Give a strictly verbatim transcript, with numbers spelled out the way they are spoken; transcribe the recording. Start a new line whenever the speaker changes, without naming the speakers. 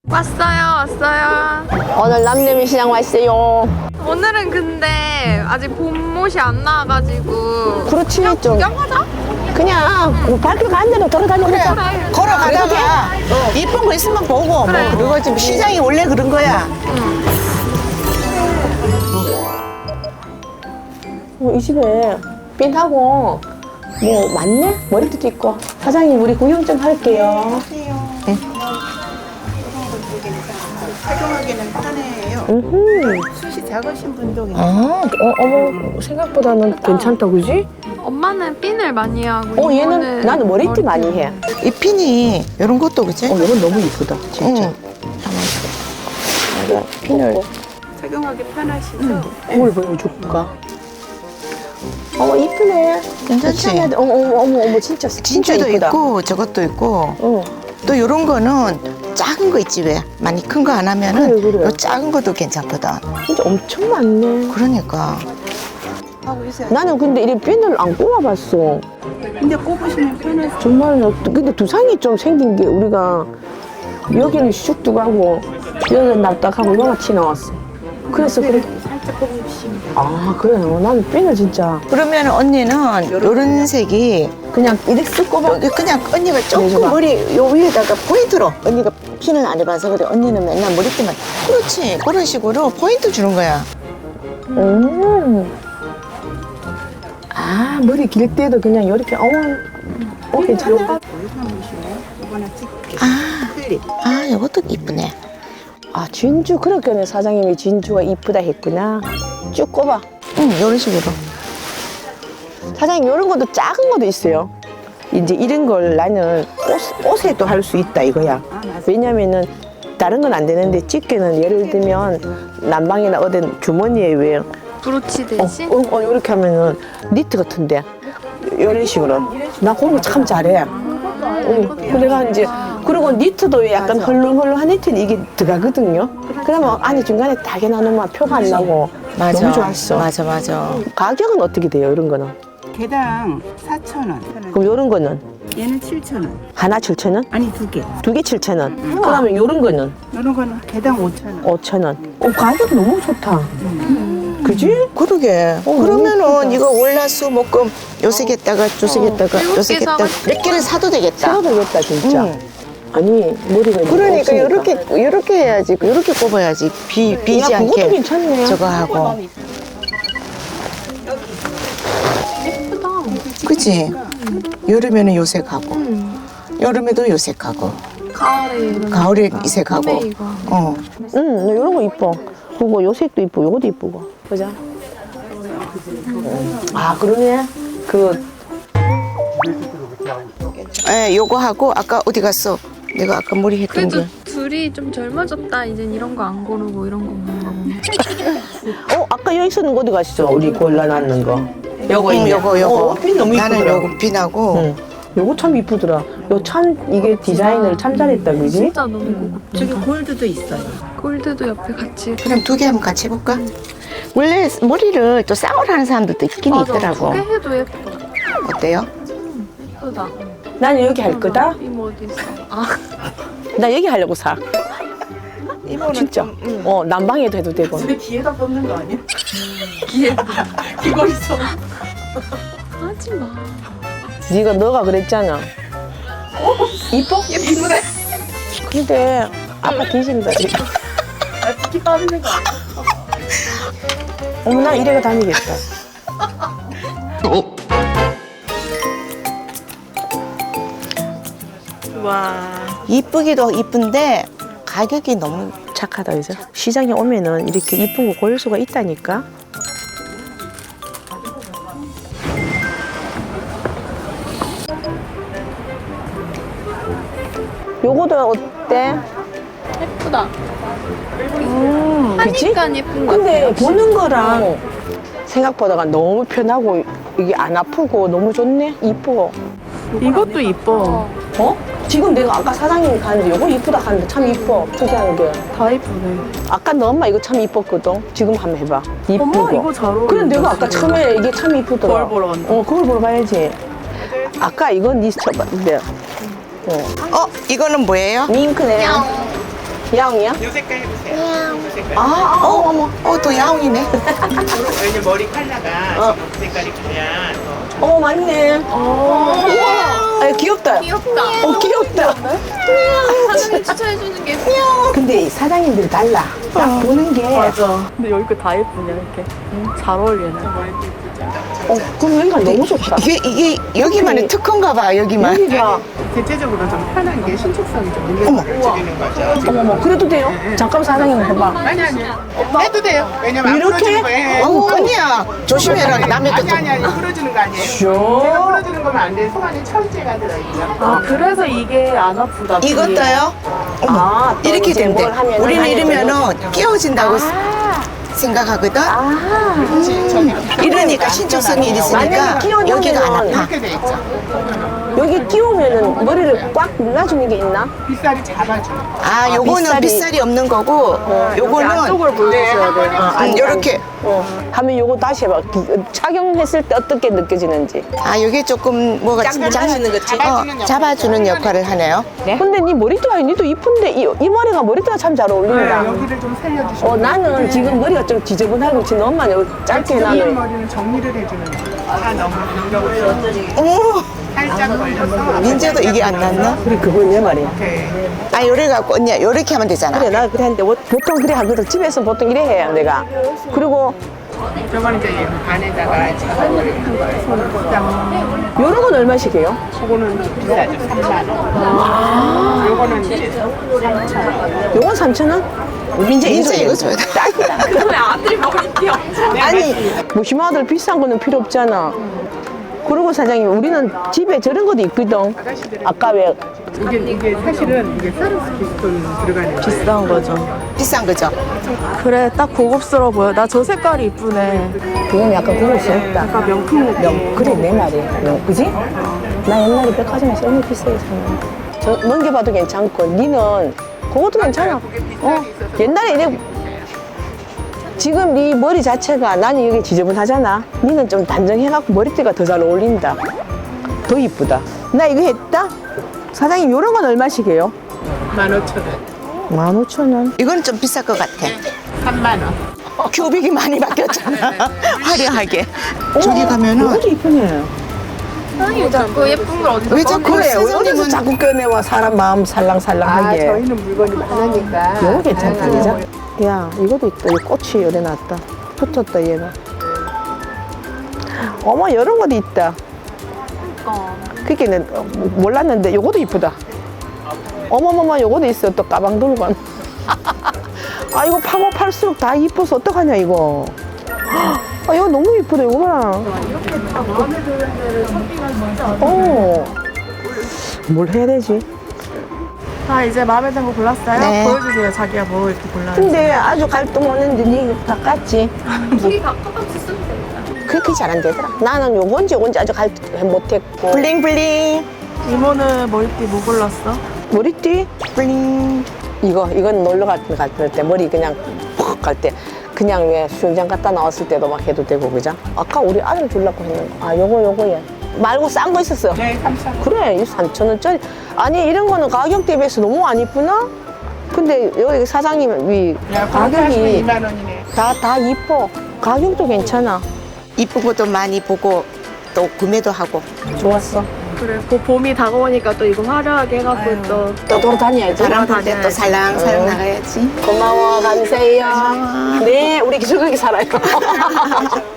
왔어요, 왔어요.
오늘 남대문 시장 왔어요.
오늘은 근데 아직 봄옷이 안 나와가지고
그렇지
그냥
좀
구경하자.
그냥 뭐 발길 가는 대로 돌아다니자.
그래.
걸어가다가 이쁜 거 있으면 보고
그래.
뭐 그리고 지금 시장이 원래 그런 거야.
어, 이 집에 빈하고 뭐 많네? 머리도 있고. 사장님 우리 구경 좀 할게요. 네.
착용하기는 편해요.
음흠.
숱이 작으신 분도
아, 어, 어머 생각보다는 괜찮다 그지?
엄마는 핀을 많이 하고
어 얘는
이모는
나는 머리띠 많이 해.
이 핀이 이런 것도 그지?
어 이건 너무 이쁘다 진짜.
응.
내가 핀을
착용하기 편하시죠?
거울 보여줄까? 어머 이쁘네.
괜찮지?
괜찮아. 어머 어머 어머 어머 진짜 진짜
진주도
이쁘다.
있고 저것도 있고
어.
또 이런 거는 작은 거 있지 왜? 많이 큰 거 안 하면은
그래, 그래.
요 작은 것도 괜찮거든.
진짜 엄청 많네.
그러니까. 하고 있어요.
나는 근데 이런 핀을 안 꼽아봤어.
근데 꼽으시면 편하죠.
정말 근데 두상이 좀 생긴 게 우리가 여기는 쑥둑하고 여기는 납작하고 요같이 나왔어. 그래서 그래.
살짝 꼽으시면 돼요.
아 그래요. 나는 핀을 진짜
그러면 언니는 요런 색이
그냥 이렇게 쓱 꼽아.
여기 그냥 언니가 조금
내줘봐.
머리 요 위에다가 포인트로 언니가 핀을 안 해봐서 그래. 언니는 맨날 머리띠만 그렇지 그런 식으로 포인트 주는 거야.
음. 아 머리 길 때도 그냥 이렇게 어머. 어 괜찮아.
아, 아 이것도 이쁘네.
아 진주 그렇게는 사장님이 진주가 이쁘다 했구나. 쭉 꼽아.
응 이런 식으로.
사장님 이런 것도 작은 것도 있어요. 이제 이런 걸 나는 옷, 옷에도 할 수 있다 이거야. 왜냐면은 다른 건 안 되는데 집게는 예를 들면 난방이나 어떤 주머니에 왜
브로치
어,
대신
어, 어, 이렇게 하면은 니트 같은데 이런 식으로 나 그런 거 참 잘해. 어, 그래가 이제 그리고 니트도 약간 헐렁헐렁한 니트는 이게 들어가거든요. 그러면 안에 중간에 다게 나누면 표가 안 나고
맞아.
너무 좋았어.
맞아 맞아.
가격은 어떻게 돼요 이런 거는?
개당 사천 원.
그럼 이런 거는
얘는 칠천 원.
하나 칠천 원?
아니 두 개.
두 개 칠천 원. 그러면 이런 거는
이런 거는 개당 오천 원.
오천 원. 어, 가격 너무 좋다. 그지?
그러게.
어, 너무
그러면은 이거 월화수 목금 요색에다가 조색에다가
일곱 개
요색에다가
사가지고.
몇 개를 사도 되겠다.
사도 되겠다 진짜.
응.
아니 머리가
그러니까
없으니까.
이렇게 이렇게 해야지. 이렇게 꼽아야지. 비 비지
야, 그것도
않게.
괜찮네.
저거 하고.
예쁘다.
그치? 여름에는 요색하고, 여름에도 요색하고,
가을에 이런
가을에 이색하고.
봄에 이거.
어.
응, 나 이런 거 이뻐. 그거 요색도 이쁘고 요것도 이쁘고. 보자. 아 그러네. 그
예, 요거 하고 아까 어디 갔어? 내가 아까 머리 했던
그래도
게.
둘이 좀 젊어졌다. 이젠 이런 거 안 고르고 이런 거 먹는 거 보면.
어 아까 여기 있었는 거 어디 갔어? 우리 골라놨는 거. 요거
응,
있네.
요거 요거.
어, 핀 너무 이쁘더라.
나는 요거 핀하고.
응. 요거 참 이쁘더라. 요 참 이게 디자인을 참 잘했다 그지?
진짜 너무 고급.
저기 골드도 있어요.
골드도 옆에 같이.
그럼 두 개 한번 같이 해볼까? 원래 머리를 또 쌍으로 하는 사람들도 있긴
맞아.
있더라고.
두 개 해도 예뻐.
어때요?
예쁘다.
나는 여기 할 거다.
이모 어디 있어? 아
나 여기 하려고 사.
이모는
진짜.
좀, 응.
어 난방에도 해도 되고.
귀에다 뽑는 거 아니야?
귀에
귀걸이 써.
하지 마.
네가 너가 그랬잖아. 이뻐?
예쁘네.
근데 아빠 뒤진다 지금.
아, 귀 빠지는 거 아니야?
어머 나 이래가 다니겠다.
와.
이쁘기도 이쁜데 가격이 너무
착하다 그죠? 시장에 오면은 이렇게 이쁜 거 고를 수가 있다니까. 요거도 어때?
예쁘다.
음, 그치?
하니까 예쁜 거
근데
같아요.
보는 거랑 생각보다가 너무 편하고 이게 안 아프고 너무 좋네. 이뻐.
이것도 이뻐.
어? 지금 내가 아까 사장님이 가는데 요거 이쁘다 하는데 참 이뻐. 특이한 게.
다 이쁘네.
아까 너 엄마 이거 참 이뻤거든. 지금 한번 해봐. 이쁘고.
어머 이거 잘 어울린다.
그래 내가 아까 처음에 이게 참 이쁘더라.
거울 보러 왔는데.
어, 그걸 보러 가야지. 아까 이건 니 쳐봤는데. 어.
어? 이거는 뭐예요?
밍크네. 야옹이야?
요 색깔 해보세요. 요 색깔.
아, 어, 어머, 어, 또 야옹이네.
왜냐면 머리 컬러가 지금 그 색깔이 그냥 더
어, 맞네. 우와. 아, 귀엽다.
귀엽다.
어, 귀엽다.
사장님 추천해주는 게
근데 사장님들이 달라. 딱 보는 게.
맞아. 근데 여기 거 다 예쁘냐 이렇게. 잘 어울리네.
어, 그럼 여기가 너무 좋다.
이게, 이게 여기만의 특허인가 봐, 여기만.
여기가.
대체적으로 좀 편한 게 신축성이 좀 있는 걸 줄이는 거죠.
어머머, 그래도 돼요? 잠깐 사장님 해봐.
아니 아니. 해도 돼요. 왜냐면 안
이렇게?
풀어주는 거예요.
어우, 언니야. 조심해라. 남의
아니
것도.
아니 아니 풀어주는 거 아니에요. 제가 풀어주는 거면 안 돼. 속 안에 철제가 들어있죠.
아 그래서 이게 안 아프다.
이것도요? 어머,
아, 또
이렇게
이제
된대.
뭘 하면은
우리는
하면은
이러면은 끼워진다고 생각하거든?
그렇지. 저기로
이러니까 신축성이 있으니까
만약에 끼워놓으면은
여기가 안 아파.
이렇게 돼 있죠.
여기 끼우면은 머리를 꽉 눌러주는 게 있나?
빗살이 잡아주는 거.
아, 요거는
빗살이-
빗살이 없는 거고, 요거는
안쪽으로 보여주셔야 돼요.
음, 요렇게.
어. 하면 요거 다시 해봐. 기- 착용했을 때 어떻게 느껴지는지.
아, 요게 조금 뭐가
잡아주는 거지?
어, 잡아주는 역할을 하네요.
근데 니 머리띠가 니도 이쁜데 이, 이 머리가 머리띠가 참 잘 어울린다.
네, 여기를 좀 살려주시면
어, 나는 지금 머리가 좀 지저분하고 지금 너무 많이 짧게
긴
나는.
머리는 정리를 해주는 거. 다 너무 능력없어.
어머,
살짝 걸려서
민재도 이게 안 났나?
그래, 그건 내 말이야.
이렇게
아, 요래 갖고 언니야, 요렇게 하면 되잖아.
그래, 나 그래 하는데 뭐- 보통 그래 하거든. 집에서 보통 이래 해요, 내가. 그리고
저건 이제 얘 안에다가 작업을 한 거예요. 손을 딱.
요런 건 얼마씩 해요?
그거는 비싸죠. 삼만 원. 요거는 이제 삼천 원.
요건 삼천 원? 민재
민재
이거
이거 줘야 돼.
딱이다.
그러면 아들이 머리띠 없잖아.
아니, 뭐 희망아들 비싼 거는 필요 없잖아. 그리고 사장님, 우리는 집에 저런 것도 있거든. 아까 왜
이게 이게 사실은 이게 사르스키스톤 들어가는 거예요.
비싼 거죠.
비싼 거죠?
그래 딱 고급스러워 보여. 나 저 색깔이 이쁘네.
그건 약간 고급스럽다.
약간 명품 느낌.
명, 그래 내 말이야. 명, 그지? 나 옛날에 백화점에서 너무 비싸게 샀는데. 저 넘겨봐도 괜찮고, 니는 그것도 괜찮아. 어, 옛날에 이래. 지금 네 머리 자체가 나는 여기 지저분하잖아. 니는 좀 단정해갖고 머리띠가 더 잘 어울린다. 더 이쁘다. 나 이거 했다? 사장님, 요런 건 얼마씩 해요?
만 오천 원.
만 오천 원.
이거는 좀 비쌀 것 같아.
삼만 원.
교빅이 많이 바뀌었잖아. 화려하게. 저기 가면은
이것도 이쁘네.
사장님 자꾸 예쁜 걸 어디서
왜 자꾸
그래, 왜 어디서
사장님은
자꾸 꺼내와 사람 마음
아,
살랑살랑하게.
저희는 물건이 많으니까.
이거 괜찮다, 그죠? 야, 이것도 있다. 이 꽃이 열에 놨다. 붙었다, 얘가. 어머, 이런 것도 있다. 그게 는 몰랐는데, 요것도 이쁘다. 어머머머, 요것도 있어. 또 가방 들고. 간. 아, 이거 파고 팔수록 다 이뻐서 어떡하냐, 이거. 아, 이거 너무 이쁘다, 이거 봐라. 어. 뭘 해야 되지?
자 이제 마음에 든 거 골랐어요?
네.
보여주세요. 자기가 뭐 이렇게 골랐는지.
근데 아주 갈등 없는데, 니다 깠지?
길이 가까워서 쓰면 됩니다.
그렇게 잘 안 되더라. 나는 요건지 요건지 아직 갈 못했고.
블링블링.
이모는 머리띠 뭐 골랐어?
머리띠?
블링.
이거, 이건 놀러 갈 때, 갈 때, 머리 그냥 푹 갈 때. 그냥 왜 수영장 갔다 나왔을 때도 막 해도 되고, 그죠? 아까 우리 아들 주려고 했는 거. 아, 요거, 요거, 얘. 말고 싼 거 있었어.
네, 삼천 원.
그래, 이 삼천 원짜리. 아니, 이런 거는 가격 대비해서 너무 안 이쁘나? 근데 여기 사장님이
야, 가격이
가격이
이만 원이네.
다, 다 이뻐. 가격도 괜찮아.
이쁜 것도 많이 보고 또 구매도 하고.
좋았어.
그래 그 봄이 다가오니까 또 이거 화려하게 해갖고 또
또 돌아다녀야지.
바람 불 때 또
다녀야지.
살랑살랑 나가야지.
고마워, 감사해요. 네, 우리 기술하게 살아요.